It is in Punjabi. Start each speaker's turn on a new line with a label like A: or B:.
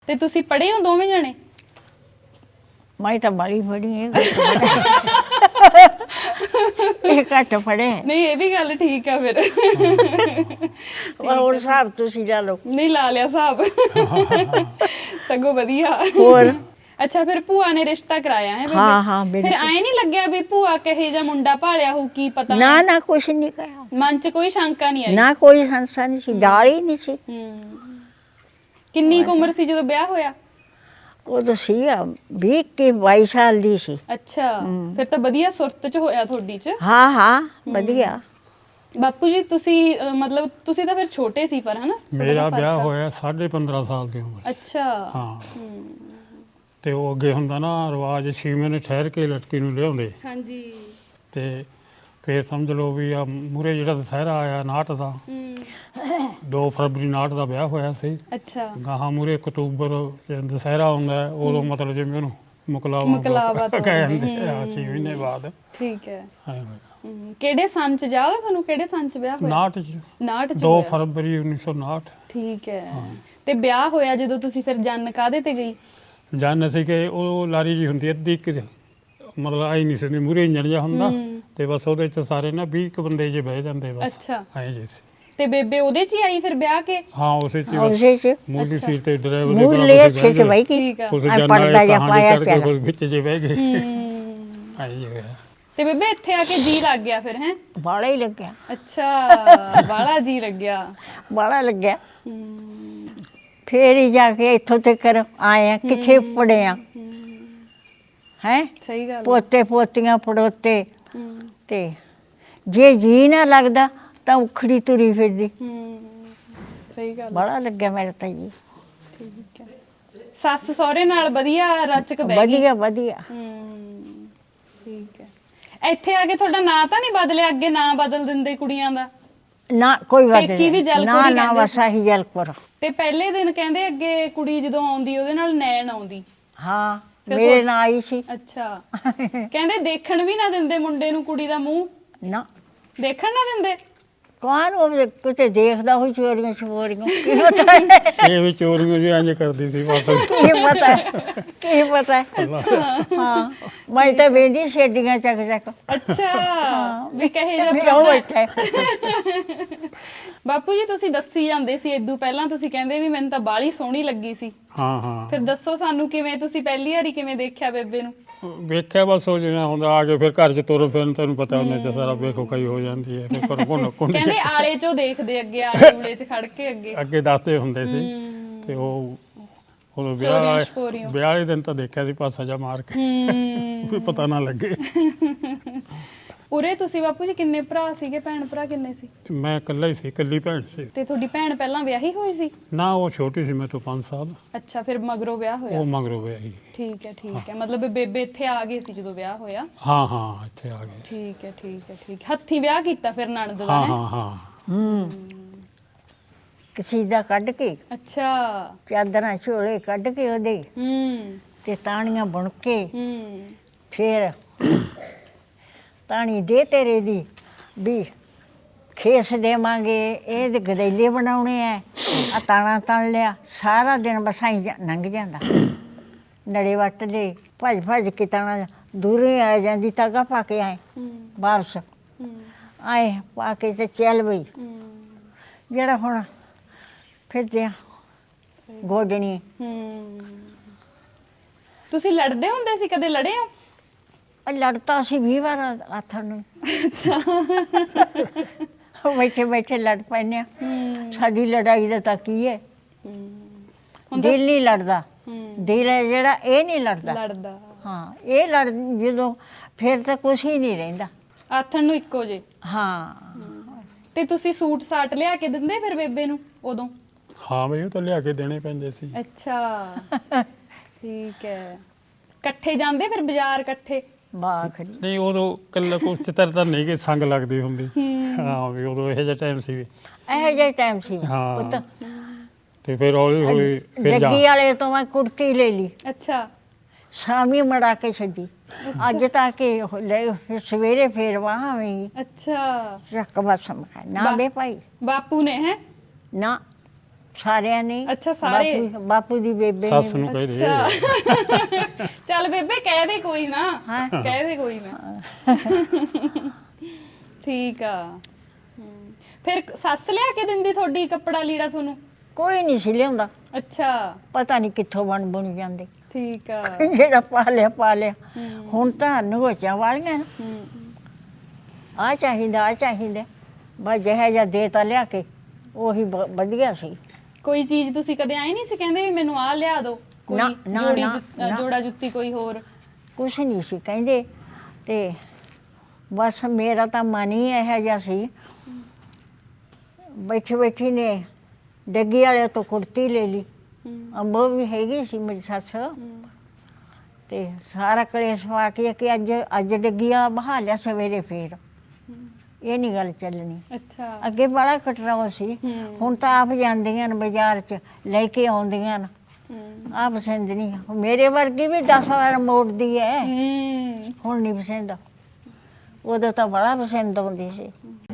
A: ਤੇ ਤੁਸੀਂ ਪੜ੍ਹੇ ਹੋ ਦੋਵੇਂ ਜਣੇ?
B: ਮੈਂ ਤਾਂ ਬੜੀ ਪੜ੍ਹੀ ਹੈ ਇਹ ਘੱਟ ਪੜ੍ਹੇ
A: ਨਹੀਂ, ਇਹ ਵੀ ਗੱਲ ਠੀਕ ਆ ਫਿਰ।
B: ਹੋਰ ਹਿਸਾਬ ਤੁਸੀਂ ਲਾ ਲਓ।
A: ਨਹੀਂ ਲਾ ਲਿਆ ਹਿਸਾਬ। ਸਗੋਂ ਵਧੀਆ।
B: ਹੋਰ
A: ਅੱਛਾ, ਫਿਰ ਭੂਆ ਨੇ ਰਿਸ਼ਤਾ ਕਰਾਇਆ ਹੈ?
B: ਹਾਂ ਹਾਂ
A: ਫਿਰ
B: ਬਿਲਕੁਲ।
A: ਐ ਨਹੀਂ ਲੱਗਿਆ ਵੀ ਭੂਆ ਕਹੇ ਜਾਂ ਮੁੰਡਾ ਭਾਲਿਆ ਹੋ, ਕੀ ਪਤਾ?
B: ਨਾ ਨਾ ਕੁਛ ਨਹੀਂ ਕਹਾ,
A: ਮਨ 'ਚ ਕੋਈ ਸ਼ੰਕਾ ਨਹੀਂ ਆਈ?
B: ਨਾ ਕੋਈ ਸੰਸਾ ਨਹੀਂ ਸੀ, ਡਾਲ ਹੀ ਨਹੀਂ ਸੀ।
A: ਕਿੰਨੀ ਕੁ ਉਮਰ ਸੀ ਜਦੋਂ ਵਿਆਹ ਹੋਇਆ?
B: ਉਦੋਂ ਸੀ 20 ਕੇ 22 ਸਾਲ ਦੀ ਸੀ।
A: ਅੱਛਾ, ਫਿਰ ਤਾਂ ਵਧੀਆ ਸੁਰਤ 'ਚ ਹੋਇਆ ਤੁਹਾਡੀ 'ਚ।
B: ਹਾਂ ਹਾਂ ਵਧੀਆ।
A: ਬਾਪੂ ਜੀ ਤੁਸੀਂ ਮਤਲਬ ਤੁਸੀਂ ਤਾਂ ਫਿਰ ਛੋਟੇ ਸੀ ਪਰ, ਹਨਾ?
C: ਮੇਰਾ ਵਿਆਹ ਹੋਇਆ 15.5 ਸਾਲ ਦੀ ਉਮਰ।
A: ਅੱਛਾ।
C: ਹਾਂ। ਤੇ ਉਹ ਅੱਗੇ ਹੁੰਦਾ ਨਾ ਰਿਵਾਜ 6 ਮਹੀਨੇ ਠਹਿਰ ਕੇ ਲੜਕੀ ਨੂੰ ਲਿਆਉਂਦੇ।
A: ਹਾਂਜੀ।
C: ਤੇ ਫਿਰ ਸਮਝ ਲਓ ਵੀ ਆ ਮੂਰੇ ਜਿਹੜਾ ਦੁਸਹਿਰਾ ਆਇਆ 59 ਦਾ, 2 ਫਰਵਰੀ 59 ਦਾ ਵਿਆਹ ਹੋਇਆ ਸੀ।
A: ਅੱਛਾ।
C: ਗਾਹਾਂ ਮੂਰੇ ਅਕਤੂਬਰ ਦੁਸਹਿਰਾ ਆਉਂਦਾ ਉਦੋਂ ਮਤਲਬ ਜਿਵੇਂ ਉਹਨੂੰ
A: ਮੁਕਲਾਵਾ ਤੋਂ
C: ਕਹਿੰਦੇ ਆ 6 ਮਹੀਨੇ ਬਾਅਦ।
A: ਠੀਕ ਹੈ।
C: ਐਂ ਹੋਇਆ।
A: ਕਿਹੜੇ ਸੰਨ 'ਚ ਯਾਦ ਆ ਤੁਹਾਨੂੰ? ਕਿਹੜੇ ਸੰਨ 'ਚ ਵਿਆਹ ਹੋਇਆ?
C: 59 ਚ
A: 59 'ਚ
C: 2
A: ਹੋਇਆ।
C: ਫਰਵਰੀ 1959।
A: ਠੀਕ ਹੈ। ਤੇ ਵਿਆਹ ਹੋਇਆ ਜਦੋਂ ਤੁਸੀਂ, ਫਿਰ ਜੰਨ ਕਾਹਦੇ ਤੇ ਗਈ?
C: ਜਾਨ ਸੀ ਕਿ ਉਹ ਲਾਰੀ ਜੀ ਹੁੰਦੀ ਅੱਧੀ ਕਿ ਮਤਲਬ ਆਈ ਨਹੀਂ ਸੀ, ਮੂਰੇ ਇੰਜਣ ਜਿਹਾ ਹੁੰਦਾ ਤੇ ਬਸ ਉਹਦੇ ਚ ਸਾਰੇ ਨਾ 20 ਕੁ ਬੰਦੇ ਜੇ ਬਹਿ ਜਾਂਦੇ ਬਸ।
A: ਅੱਛਾ।
C: ਐਂ ਜੀ ਸੀ।
A: ਤੇ ਬੇਬੇ ਉਹਦੇ 'ਚ ਹੀ ਆਈ ਫਿਰ ਵਿਆਹ ਕੇ?
C: ਹਾਂ ਉਸੇ ਚ
B: ਉਸੇ ਚ
C: ਮੂਲੀ ਸੀਟ ਤੇ ਡਰਾਈਵਰ ਦੇ
B: ਮੂਲੇ ਅੱਛੇ ਚ ਬਈ ਕੀ
A: ਠੀਕ ਆ।
C: ਉਸ
B: ਐਂ
C: ਜਨ
B: ਪਰਦਾ ਜਿਹਾ ਪਾਇਆ
C: ਕਰਕੇ
B: ਪਿਆ।
C: ਕੋਈ ਵਿੱਚ ਜੇ ਬਹਿ ਗਏ। ਐਂ ਜੀ ਹੋਇਆ।
A: ਤੇ ਬੇਬੇ ਇੱਥੇ ਆ ਕੇ ਜੀ ਲੱਗ ਗਿਆ ਫਿਰ, ਹੈ?
B: ਬਾਲਾ ਹੀ ਲੱਗਿਆ।
A: ਅੱਛਾ, ਬਾਲਾ ਜੀ ਲੱਗਿਆ।
B: ਬਾਲਾ ਲੱਗਿਆ। ਫੇਰ ਹੀ ਜਾ ਕੇ ਇੱਥੋਂ ਤੱਕ ਆਏ ਆ, ਕਿੱਥੇ ਪੜੇ ਆ ਹੈ।
A: ਸਹੀ ਗੱਲ।
B: ਪੋਤੇ ਪੋਤੀਆਂ ਪੜੋਤੇ। ਤੇ ਜੇ ਜੀ ਨਾ ਲੱਗਦਾ ਤਾਂ ਉਖੜੀ ਤੁਰੀ ਫਿਰਦੀ।
A: ਸਹੀ ਗੱਲ।
B: ਬੜਾ ਲੱਗਿਆ ਮੇਰਾ ਤਾਂ ਜੀ।
A: ਠੀਕ ਹੈ। ਸੱਸ ਸਹੁਰੇ ਨਾਲ ਵਧੀਆ ਰਚਕ ਬਹਿ ਗਈ?
B: ਵਧੀਆ ਵਧੀਆ।
A: ਠੀਕ ਹੈ। ਇੱਥੇ ਆ ਕੇ ਤੁਹਾਡਾ ਨਾਂ ਤਾਂ ਨਹੀਂ ਬਦਲਿਆ? ਅੱਗੇ ਨਾਂ ਬਦਲ ਦਿੰਦੇ ਕੁੜੀਆਂ ਦਾ।
B: ਨਾ ਕੋਈ ਬਾਤ
A: ਪੇਕੀ ਵੀ
B: ਨਹੀਂ।
A: ਜਲਪੁਰ
B: ਨਾ
A: ਹੀ
B: ਨਾ
A: ਕਹਿੰਦੇ
B: ਵਸਾ ਹੀ ਜਲਪੁਰ।
A: ਤੇ ਪਹਿਲੇ ਦਿਨ ਕਹਿੰਦੇ ਅੱਗੇ ਕੁੜੀ ਜਦੋਂ ਆਉਂਦੀ ਉਹਦੇ ਨਾਲ ਨੈਣ ਆਉਂਦੀ।
B: ਹਾਂ
A: ਫਿਰ
B: ਮੇਰੇ ਨਾਲ ਆਈ ਸੀ।
A: ਅੱਛਾ। ਕਹਿੰਦੇ ਦੇਖਣ ਵੀ ਨਾ ਦਿੰਦੇ ਮੁੰਡੇ ਨੂੰ ਕੁੜੀ ਦਾ ਮੂੰਹ?
B: ਨਾ
A: ਦੇਖਣ ਨਾ ਦਿੰਦੇ?
B: ਕੌਣ ਉਹ ਕਿਤੇ ਦੇਖਦਾ ਹੋਈ ਚੋਰੀਆਂ ਛਪੋਰੀਆਂ, ਕੀ ਪਤਾ ਹੈ?
C: ਇਹ ਵੀ ਚੋਰੀਆਂ ਜੀ ਇੰਜ ਕਰਦੀ ਸੀ ਬਸ।
B: ਕੀ ਪਤਾ ਕੀ ਪਤਾ। ਹਾਂ ਮੈਂ ਤਾਂ ਵੇਂਦੀ ਛੇਡੀਆਂ ਚੱਕ ਚੱਕ।
A: ਅੱਛਾ, ਵੀ ਕਹੇ ਜਾ
B: ਵੀ ਉਹ ਬੈਠਾ।
A: ਬਾਪੂ ਜੀ ਤੁਸੀਂ ਦੱਸੀ ਜਾਂਦੇ ਸੀ ਇਦੋਂ ਪਹਿਲਾਂ, ਤੁਸੀਂ ਕਹਿੰਦੇ ਵੀ ਮੈਨੂੰ ਤਾਂ ਬਾਹਲੀ ਸੋਹਣੀ ਲੱਗੀ ਸੀ।
C: ਹਾਂ ਹਾਂ।
A: ਫਿਰ ਦੱਸੋ ਸਾਨੂੰ, ਕਿਵੇਂ ਤੁਸੀਂ ਪਹਿਲੀ ਵਾਰੀ ਕਿਵੇਂ ਦੇਖਿਆ ਬੇਬੇ ਨੂੰ?
C: ਵੇਖਿਆ ਬਸ ਉਹ ਜਿਵੇਂ ਹੁੰਦਾ ਆ ਕੇ ਫਿਰ ਘਰ ਚ ਤੁਰ ਫਿਰ ਤੈਨੂੰ ਪਤਾ ਉਹਨੇ ਚ ਸਾਰਾ ਵੇਖੋ ਕਈ ਹੋ ਜਾਂਦੀ ਹੈ। ਫਿਰ ਘਰੋਂ ਕੋਣ
A: ਕਹਿੰਦੇ ਆਲੇ ਚੋਂ ਦੇਖਦੇ ਅੱਗੇ, ਆਲੇ ਊਲੇ ਚ ਖੜ ਕੇ
C: ਅੱਗੇ ਦੱਸਦੇ ਹੁੰਦੇ ਸੀ। ਤੇ ਉਹ ਵਿਆਹ ਵਾਲੇ ਦਿਨ ਤਾਂ ਦੇਖਿਆ ਸੀ ਪਾਸਾ ਜਾ ਮਾਰ ਕੇ, ਵੀ ਪਤਾ ਨਾ ਲੱਗੇ।
A: ਉਰੇ ਤੁਸੀਂ ਬਾਪੂ ਜੀ ਕਿੰਨੇ ਭਰਾ ਸੀਗੇ? ਭੈਣ ਭਰਾ ਕਿੰਨੇ ਸੀ?
C: ਮੈਂ ਇਕੱਲਾ ਹੀ ਸੀ, ਇਕੱਲੀ ਭੈਣ ਸੀ।
A: ਤੇ ਤੁਹਾਡੀ ਭੈਣ ਪਹਿਲਾਂ ਵਿਆਹੀ ਹੋਈ ਸੀ?
C: ਨਾ ਉਹ ਛੋਟੀ ਸੀ ਮੇਰੇ ਤੋਂ 5 ਸਾਲ।
A: ਅੱਛਾ, ਫਿਰ ਮਗਰੋਂ ਵਿਆਹ ਹੋਇਆ?
C: ਉਹ ਮਗਰੋਂ ਵਿਆਹੀ।
A: ਠੀਕ ਹੈ ਠੀਕ ਹੈ। ਮਤਲਬ ਬੇਬੇ ਇੱਥੇ ਆ ਗਏ ਸੀ ਜਦੋਂ ਵਿਆਹ ਹੋਇਆ?
C: ਹਾਂ ਹਾਂ ਇੱਥੇ ਆ ਗਏ।
A: ਠੀਕ ਹੈ ਠੀਕ ਹੈ ਠੀਕ। ਹੱਥੀਂ ਵਿਆਹ ਕੀਤਾ ਫਿਰ ਨਣਦ ਦਾ?
C: ਹਾਂ ਹਾਂ ਹਾਂ।
B: ਕਸੀਦਾ ਕੱਢ ਕੇ।
A: ਅੱਛਾ।
B: ਚਾਦਰਾਂ ਝੋਲੇ ਕੱਢ ਕੇ ਉਹਦੇ ਤੇ ਤਾਣੀਆਂ ਬੁਣ ਕੇ ਫੇਰ ਤਾਣੀ ਦੇ ਤੇਰੇ ਦੀ ਵੀ ਖੇਸ ਦੇਵਾਂਗੇ, ਇਹ ਗਦੈਲੇ ਬਣਾਉਣੇ ਐ, ਆ ਤਾਣਾ ਤਣ ਲਿਆ। ਸਾਰਾ ਦਿਨ ਬਸਾਈ ਲੰਘ ਜਾਂਦਾ। ਨੜੇ ਵੱਟ ਦੇ ਭੱਜ ਭੱਜ ਕੇ ਤਾਣਾ ਦੂਰੇ ਆ ਜਾਂਦੀ, ਤਾਗਾ ਪਾ ਕੇ ਆਏ ਵਾਪਸ ਆਏ ਪਾ ਕੇ ਤੇ ਚੱਲ ਬਈ। ਜਿਹੜਾ ਹੁਣ ਫਿਰਦੇ ਆ ਗੋਡਣੀ।
A: ਤੁਸੀਂ ਲੜਦੇ ਹੁੰਦੇ ਸੀ? ਕਦੇ ਲੜੇ ਹੋ?
B: ਲੜਤਾ ਅਸੀਂ 20 ਵਾਰ ਆਥਣ ਨੂੰ। ਬੈਠੇ ਬੈਠੇ ਲੜ ਪੈਂਦੇ ਆ। ਸਾਡੀ ਲੜਾਈ ਦਾ ਤਾਂ ਕੀ ਹੈ, ਦਿਲ ਨਹੀਂ ਲੜਦਾ। ਦਿਲ ਹੈ ਜਿਹੜਾ ਇਹ ਨਹੀਂ ਲੜਦਾ। ਹਾਂ ਇਹ ਲੜ ਜਦੋਂ ਫਿਰ ਤਾਂ ਕੁਛ ਹੀ ਨਹੀਂ ਰਹਿੰਦਾ।
A: ਆਥਣ ਨੂੰ ਇੱਕੋ ਜੇ।
B: ਹਾਂ।
A: ਤੇ ਤੁਸੀਂ ਸੂਟ ਸਾਟ ਲਿਆ ਕੇ ਦਿੰਦੇ ਫਿਰ ਬੇਬੇ ਨੂੰ ਉਦੋਂ?
C: ਹਾਂ ਬਈ ਉਹ ਤਾਂ ਲਿਆ ਕੇ ਦੇਣੇ ਪੈਂਦੇ ਸੀ।
A: ਅੱਛਾ ਠੀਕ ਹੈ। ਇਕੱਠੇ ਜਾਂਦੇ ਫਿਰ ਬਾਜ਼ਾਰ ਇਕੱਠੇ?
C: ਨਹੀਂ ਉਦੋਂ ਕੱਲਾ ਕੁਛ ਤਾਂ ਨਹੀਂ ਕਿ ਸੰਗ ਲੱਗਦੀ ਹੁੰਦੀ। ਹਾਂ ਵੀ ਉਦੋਂ ਇਹੋ ਜਿਹਾ ਟਾਈਮ ਸੀ।
B: ਇਹੋ ਜਿਹਾ ਟਾਈਮ ਸੀ
C: ਹਾਂ। ਤੇ ਫਿਰ ਹੌਲੀ ਹੌਲੀ
B: ਜੱਗੀ ਵਾਲੇ ਤੋਂ ਮੈਂ ਕੁੜਤੀ ਲੈ ਲਈ।
A: ਅੱਛਾ।
B: ਸ਼ਾਮੀ ਮੜਾ ਕੇ ਛੱਡੀ। ਅੱਜ ਤੱਕ ਸਵੇਰੇ ਫੇਰ ਵਾਹ ਆਵੇਂਗੀ।
A: ਅੱਛਾ।
B: ਚੱਕ ਬਸ ਨਾ ਬੇ ਭਾਈ।
A: ਬਾਪੂ ਨੇ? ਹੈ
B: ਨਾ ਸਾਰਿਆਂ ਨੇ
A: ਅੱਛਾ, ਸਾਰੇ?
B: ਬਾਪੂ ਦੀ ਬੇਬੇ
C: ਸੱਸ
B: ਨੇ
C: ਨੂੰ ਕਹਿ ਦੇ
A: ਅੱਛਾ ਚੱਲ ਬੇਬੇ ਕਹਿ ਦੇ ਕੋਈ ਨਾ,
B: ਹਾਂ।
A: ਕਹਿ ਦੇ ਕੋਈ ਨਾ। ਠੀਕ ਆ। ਫਿਰ ਸੱਸ ਲਿਆ ਕੇ ਦਿੰਦੀ ਤੁਹਾਡੀ ਕੱਪੜਾ ਲੀੜਾ ਤੁਹਾਨੂੰ?
B: ਕੋਈ ਨਹੀਂ ਸੀ ਲਿਆਉਂਦਾ,
A: ਅੱਛਾ
B: ਪਤਾ ਨਹੀਂ ਕਿੱਥੋਂ ਬਣ ਜਾਂਦੇ।
A: ਠੀਕ ਆ।
B: ਜਿਹੜਾ ਪਾ ਲਿਆ। ਹੁਣ ਤਾਂ ਨਗੋਚਾਂ ਵਾਲੀਆਂ ਨੇ, ਆ ਚਾਹੀਦਾ ਬਸ ਜਿਹਾ ਜਿਹਾ ਦੇ ਤਾਂ ਲਿਆ ਕੇ ਉਹੀ ਵਧੀਆ ਸੀ।
A: ਕੋਈ ਚੀਜ਼ ਤੁਸੀਂ ਕਦੇ ਆਏ ਨਹੀਂ ਸੀ ਕਹਿੰਦੇ ਵੀ ਮੈਨੂੰ ਆਹ ਲਿਆ ਦਿਓ? ਕੋਈ
B: ਨਾ,
A: ਜੋੜੀ
B: ਨਾ।
A: ਜੋੜਾ ਜੁੱਤੀ ਕੋਈ ਹੋਰ?
B: ਕੁਛ ਨਹੀਂ ਸੀ ਕਹਿੰਦੇ, ਤੇ ਬਸ ਮੇਰਾ ਤਾਂ ਮਨ ਹੀ ਇਹੋ ਜਿਹਾ ਸੀ। ਬੈਠੀ ਨੇ ਡੱਗੀ ਵਾਲੇ ਤੋਂ ਕੁੜਤੀ ਲੈ ਲਈ, ਅੰਬੋ ਵੀ ਹੈਗੀ ਸੀ ਮੇਰੀ ਸੱਸ, ਤੇ ਸਾਰਾ ਕਲੇਸ਼ ਪਾ ਕੇ ਕਿ ਅੱਜ ਡੱਗੀ ਵਾਲਾ ਬਹਾ ਲਿਆ, ਸਵੇਰੇ ਫੇਰ ਇਹ ਨਹੀਂ ਗੱਲ ਚੱਲਣੀ।
A: ਅੱਛਾ।
B: ਅੱਗੇ ਬੜਾ ਕਟਰਾਓ ਸੀ, ਹੁਣ ਤਾਂ ਆਪ ਜਾਂਦੀਆਂ ਨੇ ਬਾਜ਼ਾਰ 'ਚ ਲੈ ਕੇ ਆਉਂਦੀਆਂ ਨੇ, ਆ ਪਸੰਦ ਨਹੀਂ। ਮੇਰੇ ਵਰਗੀ ਵੀ 10 ਵਾਰ ਮੋੜਦੀ ਹੈ, ਹੁਣ ਨਹੀਂ ਪਸੰਦ, ਉਦੋਂ ਤਾਂ ਬੜਾ ਪਸੰਦ ਆਉਂਦੀ ਸੀ।